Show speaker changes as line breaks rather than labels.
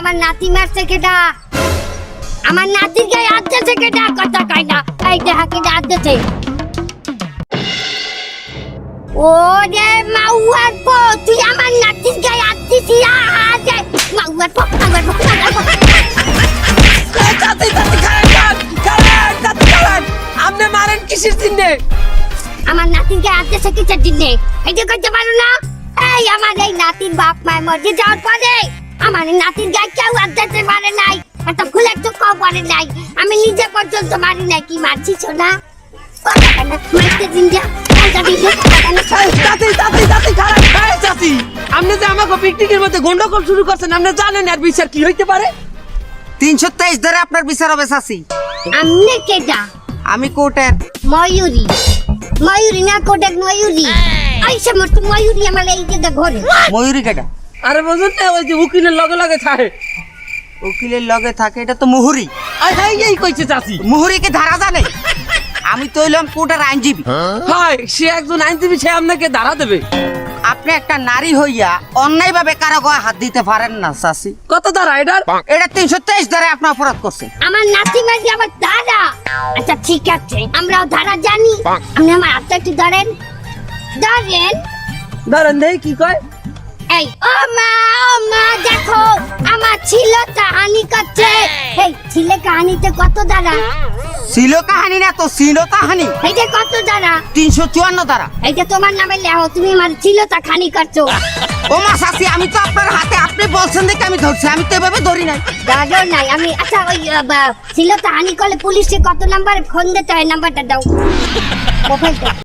আমার নাতি মারছে কেডা? আমার নাতির গায়ে হাত দিয়েছে কেডা? কথা কয় না। এই দেখা কেডা হাত দিয়েছে? ওরে মাউয়ার পো, তুই আমার নাতির গায়ে হাত দিছিস? মাউয়ার পো, মাউয়ার পো।
চাচি চাচি খারাপ আপনি মারেন কিসের চিহ্নে?
আমার নাতির গায়ে হাত দিয়েছে কিসের জন্যে? এইটা করতে পারো না? এই আমার এই নাতির বাপ মায়ের মধ্যে যাওয়ার পরে আমার এই নাতির গায়ে কেউ হাত দিতে পারে নাই, একটা ফুল একটু কম পারে নাই। আমি নিজে পর্যন্ত মারি নাই। কি মারছিস না? মারতে দিন যা।
চাচি খারাপ চাচি, আপনি যে আমাকে পিকনিকের মধ্যে গন্ডগোল শুরু করছেন, আপনি জানেন আর বিচার কি হইতে পারে?
323 ধরে আপনার বিচার হবে চাচি।
আমনে কেডা?
আমি কোর্টের
ময়ূরী। ময়ূরী না কোটেক ময়ূরী। এই সমস্ত ময়ূরী আমার এই যে ঘরে।
ময়ূরী কেটা?
আরে বুঝুন না, ওই যে উকিলের লগে লগে থাকে।
উকিলের লগে থাকে, এটা তো মুহুরি।
এই কইছে চাচি।
মুহুরিকে ধারা জানে? আমি তো হইলাম কোর্টের আইনজীবী।
হয় সে একজন আইনজীবী, সে আপনাকে ধারা দেবে।
আপনি একটা নারী হইয়া অন্যায় ভাবে কারো গায়ে হাত দিতে পারেন না চাচি।
কত ধারা এটার?
এটা 323 ধারে আপনি অপরাধ করছেন।
আমার নাতি মাঝে আমার দাদা। আচ্ছা ঠিক আছে, আমরাও ধারা জানি। আপনি আমার হাতটা একটু ধরেন। ধরেন।
ধরেন দেই কি কয়।
এই ও মা দেখো আমার ছিল কাহানি করছে। এই ছিলে কাহানিতে কত দাঁড়া?
ছিল কাহানি না তো, ছিল কাহানি।
এইটা কত দাঁড়া?
354 ধারা।
এইটা তোমার নামে লেখো, তুমি আমার ছিল তা খানি করছো।
ও মা চাচি, আমি তো আপনার হাতে, আপনি বলছেন দেখে আমি ধরছি, আমি তো এভাবে ধরি নাই।
দাদা নাই আমি। আচ্ছা ওই ছিল তা হানি করলে পুলিশে কত নাম্বার ফোন দিতে হয়? নাম্বারটা দাও। মোবাইলটা